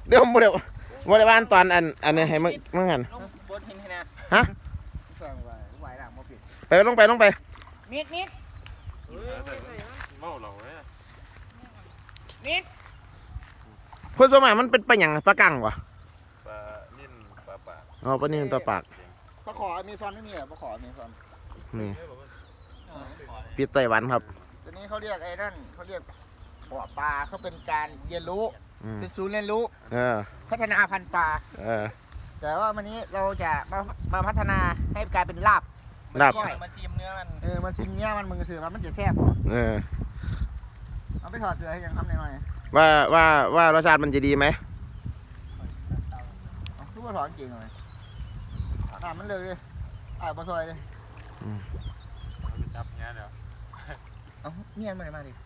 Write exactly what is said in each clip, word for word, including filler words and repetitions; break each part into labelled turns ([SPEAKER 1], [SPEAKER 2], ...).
[SPEAKER 1] เดี๋ยวบ่ได้บ่ได้บ้านตอนอันอันนี้ให้มึงมึงหันฮะไปลงไปลงไปมิดมิดเมาเหล้าเลยมิดเพื่อนสมัยมันเป็นปลาหยังปลากังวะ
[SPEAKER 2] ปลานิ่นปลาปาก
[SPEAKER 1] อ๋อปลานิ่นปลาปาก
[SPEAKER 3] ปลาขออเมซอนไม่มีเหรอปลาขออเมซอน
[SPEAKER 1] นี่ปีไต้หวันครับ
[SPEAKER 3] ตัวนี้เขาเรียกไอ้นั่นเขาเรียกบ่อปลาเขาเป็นการเรียนรู้เป็นศูนย์เรียนรู้พัฒนาพันธุ์ปลาแต่ว่าวันนี้เราจะมามาพัฒนาให้กลายเป็นลาบ
[SPEAKER 1] ลาบ
[SPEAKER 3] มาซิมเนื้อมันเออมาซิมเนื้อมันมึงสื่อมันจะแซ่บ
[SPEAKER 1] เออ
[SPEAKER 3] เอาไปถอดเสื้อให้ยังทำหน่อย
[SPEAKER 1] ว่าว่าว่ารสชาติมันจะดีไหม
[SPEAKER 3] ทุกคนถอดจริงเลยอ่ามันเลยอ่าบะซอยเลย
[SPEAKER 2] จับเงี้ยเดี๋ยว
[SPEAKER 3] เอาเมียนมาเลยมาดิ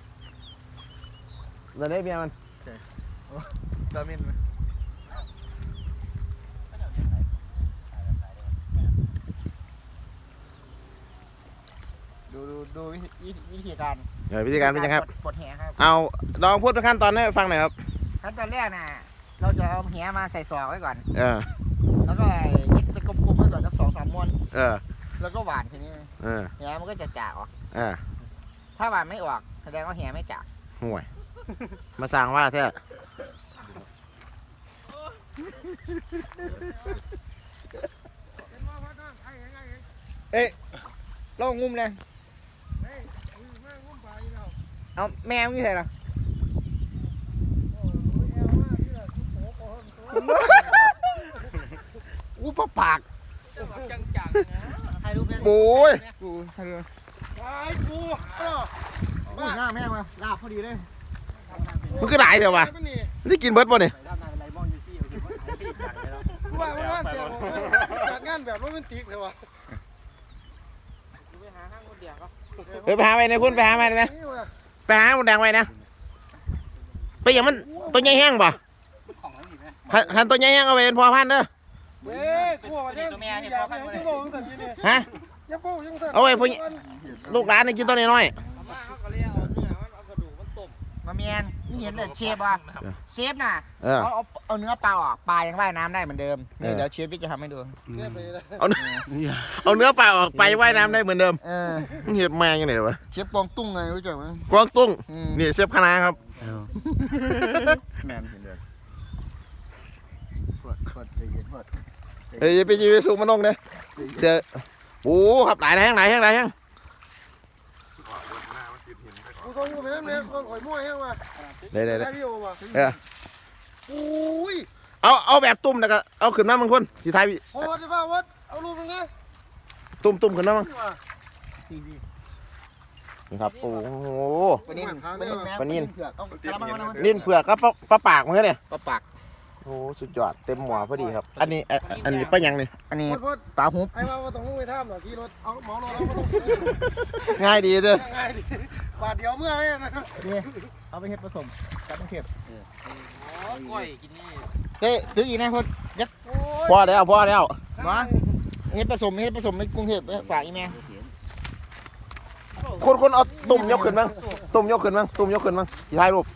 [SPEAKER 1] เราได้เมียมัน
[SPEAKER 3] ตามินดูดูดูวิธีการ
[SPEAKER 1] เดี๋ยววิธีการเป็นยังครับ
[SPEAKER 3] ปลดแหครับ
[SPEAKER 1] เอาลองพูดขั้นตอนให้ฟังหน่อยครับ
[SPEAKER 3] ขั้นตอนแรกน่ะเราจะเอาแหมาใส่ซองไว้ก่อน
[SPEAKER 1] เออ
[SPEAKER 3] แล้วก็ยึดเป็นกลมๆไว้ก่อนสักสองสามม้วน
[SPEAKER 1] เออ
[SPEAKER 3] แล้วก็หวานทีนี้
[SPEAKER 1] เออ
[SPEAKER 3] แหมันก็จะจ่าออก
[SPEAKER 1] เออ
[SPEAKER 3] ถ้าหวานไม่ออกแสดงว่าแหไม่จ่า
[SPEAKER 1] ห่วยมาสั่งว่าแท้
[SPEAKER 3] เอ๊ะลองงุ้มเลยเอาแมวนี่ใช่หรออู้ปะปาก
[SPEAKER 1] โอ้ย
[SPEAKER 3] กูถ่ายรูปไอ้กูเออมาหน้าแม่มาลาบพอดีเลย
[SPEAKER 1] มันก็ได้เดี๋ยววะจะกินเบิร์ดป่ะเนี่ย
[SPEAKER 3] ว่าว่าจัดงานแบบโรแมนติกเลยวะ
[SPEAKER 1] ไปหาไปในพุ่นไปหาไปไหมไปหาหมดแดงไปนะไปอย่างมันตัวใหญ่แห้งป่ะหันตัวใหญ่แห้งเอาไปเป็นพอพันเด้อ
[SPEAKER 3] เว้ยตัวแม่เนี่ยพอพันเลย
[SPEAKER 1] ฮะเอาไว้พวกลูกหลานนี่กินตัวน้อย
[SPEAKER 3] มาเมียนนี่เห็นเลยเชฟอ่ะเชฟน่ะเอาเอาเนื้อปลาออกปลายังว่ายน้ำได้เหมือนเดิมนี่เดี๋ยวเชฟพี่จะทำให้ดู
[SPEAKER 1] เอาเอาเนื้อปลาออกไปว่ายน้ำได้เหมือนเดิม
[SPEAKER 3] เออ
[SPEAKER 1] เห็ดแมงยังไงวะ
[SPEAKER 3] เชฟกวางตุ้งไงรู้จักไหม
[SPEAKER 1] กวางตุ้งนี่เชฟคณะครับ
[SPEAKER 3] แมนเห็นเลยเปิดเปิดใจเย็นเปิด
[SPEAKER 1] เฮ้ยไปยืนสูงมันลงเลยเจอโอ้ขับหลายแห้งหลายแห้งหลายแห้ง
[SPEAKER 3] กูส่งกูไปนั่นเลยคนข่อยมั่วแห้งมา
[SPEAKER 1] เดี๋ยวเดี๋ยวเออ
[SPEAKER 3] อุ้ย
[SPEAKER 1] เอาเอาแบบตุ่มแล้วก็เอาขึ้นมาบางคนสีไทย
[SPEAKER 3] โอ้จะว่าวัดเอาลูกนึงนะ
[SPEAKER 1] ตุ่มตุ่มขึ้นมาบ้างนี่ครับโอ้โห
[SPEAKER 3] ปนิน
[SPEAKER 1] ปนิน
[SPEAKER 3] ลิ้
[SPEAKER 1] นเผือกก็ปลาปากมั้งเนี่ย
[SPEAKER 3] ปลาปาก
[SPEAKER 1] โอ้สุดยอดเต็มหัวพอดีครับอันนี้อันนี้ปลายังนี่
[SPEAKER 3] อันนี้ปลาหุบไอ้ว่าต้องไปท่ามหรอขี่รถเอาหมอรถเราต้อง
[SPEAKER 1] ง่ายดีเลย
[SPEAKER 3] ง่ายดีบาทเดียวเมื่อเนี่ยนะนี่เอาไปเห็ดผสมกับมะเขือก้อยกินนี่เฮ้ยซื้ออีกนะคนยัด
[SPEAKER 1] พอแล้วพอแล้ว
[SPEAKER 3] มาเห็ดผสมเห็ดผสมในกรุงเทพฝากอีแม่
[SPEAKER 1] คนคนเอาตุ่มยกขึ้นมั้งตุ่มยกขึ้นมั้งตุ่มยกขึ้นมั้งสีไทยรูป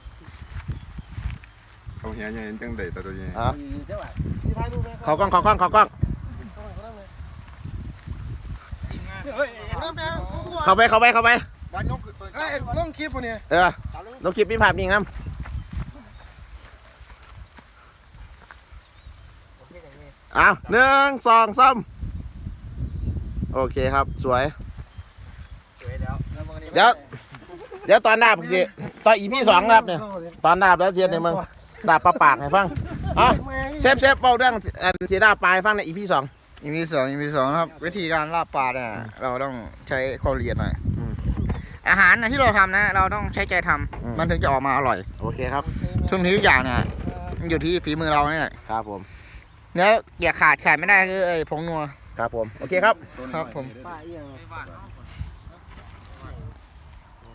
[SPEAKER 2] เขาเหี้ยยังจังได้ตัวนี้
[SPEAKER 1] เขากล้องเขากล้องเขากล้องเข้าไปเข้าไปเข้าไป
[SPEAKER 3] ลงคลิปเนี่ย
[SPEAKER 1] เออลงคลิปมีภาพนิ่งนะอ้าวหนึ่งสองสามโอเคครับสวยเดี๋ยวเดี๋ยวตอนดาบสิตอนอีพีสองครับเนี่ยตอนดาบแล้วเทียนในเมืองดาบปลาปากให้ฟังอ่ะเชฟเชฟเบาเรื่องอันที่ดาบปลายฟังในอีพีสอง
[SPEAKER 3] อีพีสองอีพีสองครับวิธีการลาบปลาเนี่ยเราต้องใช้ความละเอียดหน่อยอาหารที่เราทำนะเราต้องใช้ใจทำมันถึงจะออกมาอร่อย
[SPEAKER 1] โอเคครับ
[SPEAKER 3] ทุกทีทุกอย่างเนี่ยอยู่ที่ฝีมือเราเนี่ย
[SPEAKER 1] ครับผม
[SPEAKER 3] แล้วอย่าขาดขาดไม่ได้คือไอ้ผงนัว
[SPEAKER 1] ครับผมโอเคครับ
[SPEAKER 3] ครับผม